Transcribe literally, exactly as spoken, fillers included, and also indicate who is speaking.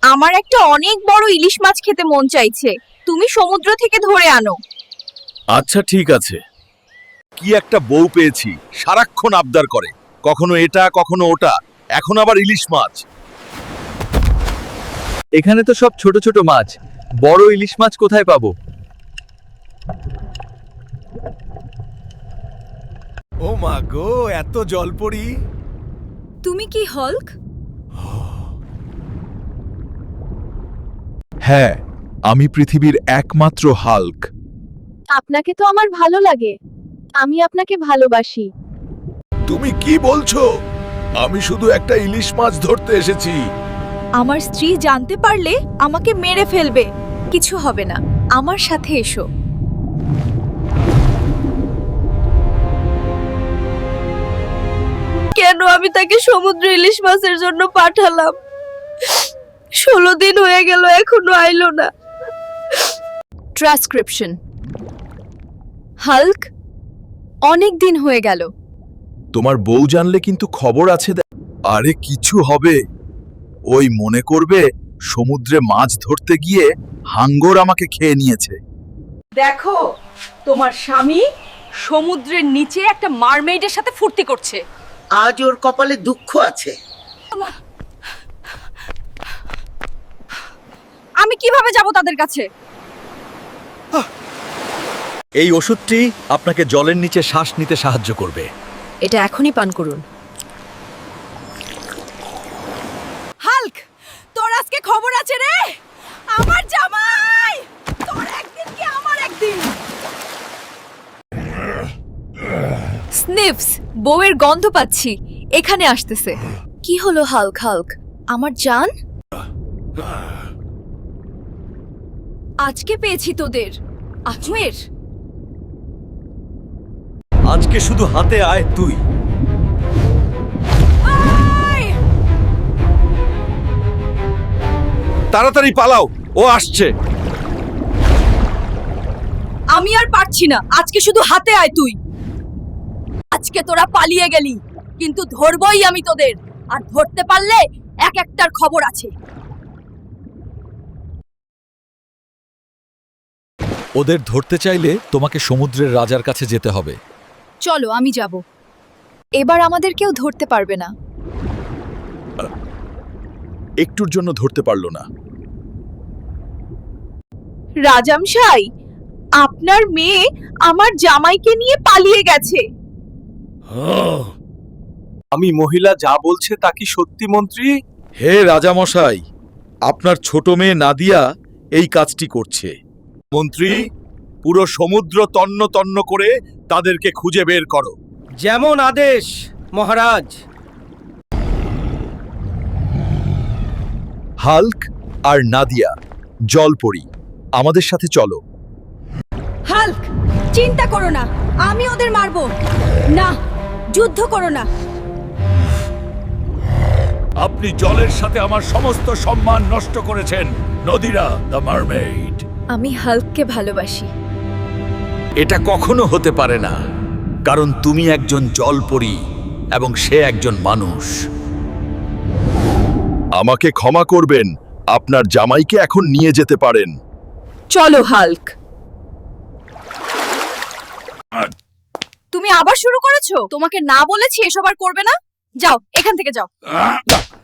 Speaker 1: আমার একটা অনেক বড় ইলিশ মাছ খেতে মন চাইছে, তুমি সমুদ্র থেকে ধরে আনো।
Speaker 2: আচ্ছা ঠিক আছে। কি একটা বউ পেয়েছি, সারাক্ষণ আবদার করে, কখনো এটা কখনো ওটা, এখন আবার ইলিশ মাছ।
Speaker 3: এখানে তো সব ছোট ছোট মাছ, বড় ইলিশ মাছ কোথায় পাবো?
Speaker 2: ও মা গো, এত জলপরি!
Speaker 1: তুমি কি হল্ক?
Speaker 2: হ্যাঁ, আমি পৃথিবীর একমাত্র হাল্ক।
Speaker 1: আপনাকে তো আমার ভালো লাগে, আমি আপনাকে ভালোবাসি।
Speaker 2: তুমি কি বলছো? আমি শুধু একটা ইলিশ মাছ ধরতে এসেছি।
Speaker 1: আমার স্ত্রী জানতে পারলে আমাকে মেরে ফেলবে। কিছু হবে না, আমার সাথে এসো। কেন আমি তাকে সমুদ্র ইলিশ মাছের জন্য পাঠালাম? ষোলো দিন হয়ে গেল, এখনো আইলো না। ট্রান্সক্রিপশন। হাল্ক, অনেক দিন হয়ে গেল।
Speaker 2: তোমার বউ জানলে কিন্তু খবর আছে। আরে কিছু হবে, ওই মনে করবে সমুদ্রে মাছ ধরতে গিয়ে হাঙ্গর আমাকে খেয়ে নিয়েছে।
Speaker 1: দেখো, তোমার স্বামী সমুদ্রের নিচে একটা মারমেইডের সাথে ফুর্তি করছে।
Speaker 4: আজ ওর কপালে দুঃখ আছে।
Speaker 1: আমি কিভাবে যাব তাদের কাছে?
Speaker 3: এই ওষুধটি আপনাকে জলের নিচে শ্বাস নিতে সাহায্য করবে।
Speaker 1: এটা এখনই পান করুন। হাল্ক, তোর আজকে খবর আছে রে। আমার জামাই, তোর একদিন কি আমার একদিন। স্নিফস, বউয়ের গন্ধ পাচ্ছি, এখানে আসতেছে। কি হলো হাল্ক? হাল্ক, আমার জান, আজকে পেয়েছি তোদের। আজমের,
Speaker 3: আজকে শুধু হাতে আয় তুই।
Speaker 2: তাড়াতাড়ি পালাও, ও আসছে।
Speaker 1: আমি আর পারছি না, আজকে শুধু হাতে আয় তুই। আজকে তোরা পালিয়ে গেলি, কিন্তু ধরবই আমি তোদের, আর ধরতে পারলে এক একটার খবর আছে।
Speaker 3: ওদের ধরতে চাইলে তোমাকে সমুদ্রের রাজার কাছে যেতে হবে।
Speaker 1: চলো, আমি যাব। এবার আমাদের কেউ ধরতে পারবে না।
Speaker 2: একটুর জন্য ধরতে পারলো না।
Speaker 1: রাজামশাই, আপনার মেয়ে আমার জামাইকে নিয়ে পালিয়ে গেছে।
Speaker 3: আমি মহিলা যা বলছে তা কি সত্যি মন্ত্রী?
Speaker 2: হে রাজামশাই, আপনার ছোট মেয়ে নাদিয়া এই কাজটি করছে। মন্ত্রী, পুরো সমুদ্র তন্ন তন্ন করে তাদেরকে খুঁজে বের করো।
Speaker 5: যেমন আদেশ মহারাজ।
Speaker 2: হাল্ক আর নাদিয়া, জলপরি, আমাদের সাথে চলো।
Speaker 1: হাল্ক, চিন্তা করো না, আমি ওদের মারবো না। যুদ্ধ করো না।
Speaker 2: আপনি জলের সাথে আমার সমস্ত সম্মান নষ্ট করেছেন, নদীরা দ্য মারমেইড।
Speaker 1: আমি হাল্ককে ভালোবাসি।
Speaker 2: এটা কখনো হতে পারে না, কারণ তুমি একজন জলপরি এবং সে একজন মানুষ। আমাকে ক্ষমা করবেন, আপনার জামাইকে এখন নিয়ে যেতে পারেন।
Speaker 1: চলো হাল্ক। তুমি আবার শুরু করেছো? তোমাকে না বলেছি এসব আর করবে না। যাও, এখান থেকে যাও।